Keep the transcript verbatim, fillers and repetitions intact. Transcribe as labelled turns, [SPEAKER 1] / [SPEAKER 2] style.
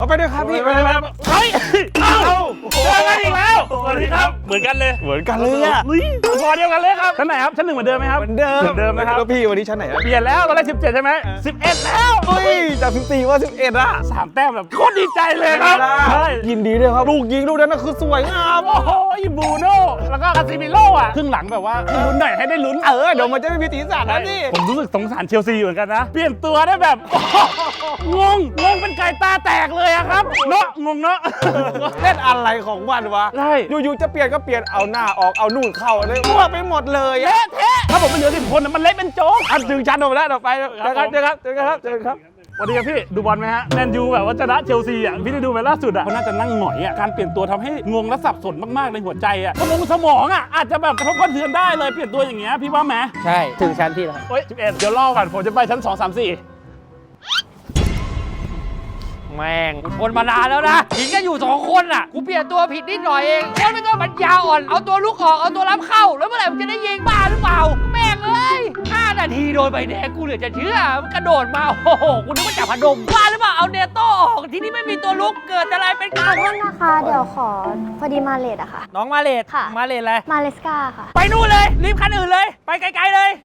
[SPEAKER 1] เอาไปด้วยครับพี่
[SPEAKER 2] ไปไปไปเฮ้ยเอ้าเจอกันอีกแล้วสวัสดีครับเหมือนกันเลย
[SPEAKER 1] เหมือนกันเลยอ่ะ
[SPEAKER 2] นี่พอเดียวกันเลยครับชั้นไหนครับชั้นหนึ่งเหมือนเดิมไหมครับ
[SPEAKER 1] เหมือนเดิม
[SPEAKER 2] เหมือนเดิมนะครับ
[SPEAKER 1] แล้วพี่วันนี้ชั้นไหนอะ
[SPEAKER 2] เปลี่ยนแล้วตอนแรกสิบเจ็ดใช่ไหมสิบเอ็ดแล้ว
[SPEAKER 1] เฮ้ยจากสิบสี่ว่าสิบเอ็ดอะ
[SPEAKER 2] สามแต้มแบบโคตรดีใจเลยครับใช่
[SPEAKER 1] ยินดีด้วยครับลูกยิงลูกนั้นน่ะคือสวยงาม
[SPEAKER 2] โอ้โหบูโน่แล้วก็คาซิมิโร่อะครึ่งหลังแบบว่าให้ลุ้นหน่อยให้ได้ลุ้น
[SPEAKER 1] เออเดี๋ยวมันจะไม่มีสีสันนะนี่
[SPEAKER 2] ผมรู้สึกสงสารเชลซีเหมือนกันนะ เปลี่ยนตัวได้แบบงงงงเป็นไก่ตาแตกเลยอะครับเนาะงงเนาะ
[SPEAKER 1] เล่นอะไรของมันวะ
[SPEAKER 2] ใช่
[SPEAKER 1] อยู่ๆจะเปลี่ยนก็เปลี่ยนเอาหน้าออกเอานู่นเข้าเลยมั่วไปหมดเลยอะ
[SPEAKER 2] เละเทะถ้าผมเป็นเหลือสิบคนน่ะมันเละเป็นโจ๊ก
[SPEAKER 1] อันถึงชั้นผมแล้วต่อไปเจอกันเจอกันเจอกันครับเจอกันครับ
[SPEAKER 2] สวัสดีครับพี่ดูบอลไหมฮะแมนยูแบบว่าชนะเชลซีอ่ะพี่ได้ดูไหมล่าสุดอ่ะเขาน่าจะนั่งหงอยอ่ะการเปลี่ยนตัวทำให้งงและสับสนมากๆในหัวใจอ่ะสมองสมองอ่ะอาจจะแบบกระทบกระเทือนได้เลยเปลี่ยนตัวอย่างเงี้ยพี่ว่าไหม
[SPEAKER 3] ใช่ถึงชั้นพี่แล้วครับ
[SPEAKER 2] เฮ้ยสิบเอ็ดเดี๋ยวรอก่อนผมจะไปชั้นสองสามสี่
[SPEAKER 3] แม่งกูทนมานานแล้วนะหิงกันอยู่สองคนอ่ะกูเปลี่ยนตัวผิดนิดหน่อยเองคนไม่ต้องปัญญาอ่อนเอาตัวลุกออกเอาตัวรับเข้าแล้วเมื่อไหร่มึงจะได้ยิงบ้าหรือเปล่าแม่งเอ้ยห้านาทีโดนใบแดงกูเหลือจะเชื่อมันกระโดดมาโอ้โหกูนึกว่าจับพนมบ้าหรือเปล่าเอาเนโต้ออกทีนี้ไม่มีตัวลุกเกิดอะไรเป็น
[SPEAKER 4] ข
[SPEAKER 3] กา
[SPEAKER 4] อ
[SPEAKER 3] ร
[SPEAKER 4] โทษนะคะ เดี๋ยวขอพอดีมาเลทอะค่ะ
[SPEAKER 3] น้องมาเลด
[SPEAKER 4] ค่ะ
[SPEAKER 3] มาเลดอะไร
[SPEAKER 4] มาเลสกาค่ะ
[SPEAKER 3] ไปนู่นเลยรีบคันอื่นเลยไปไกลๆเลย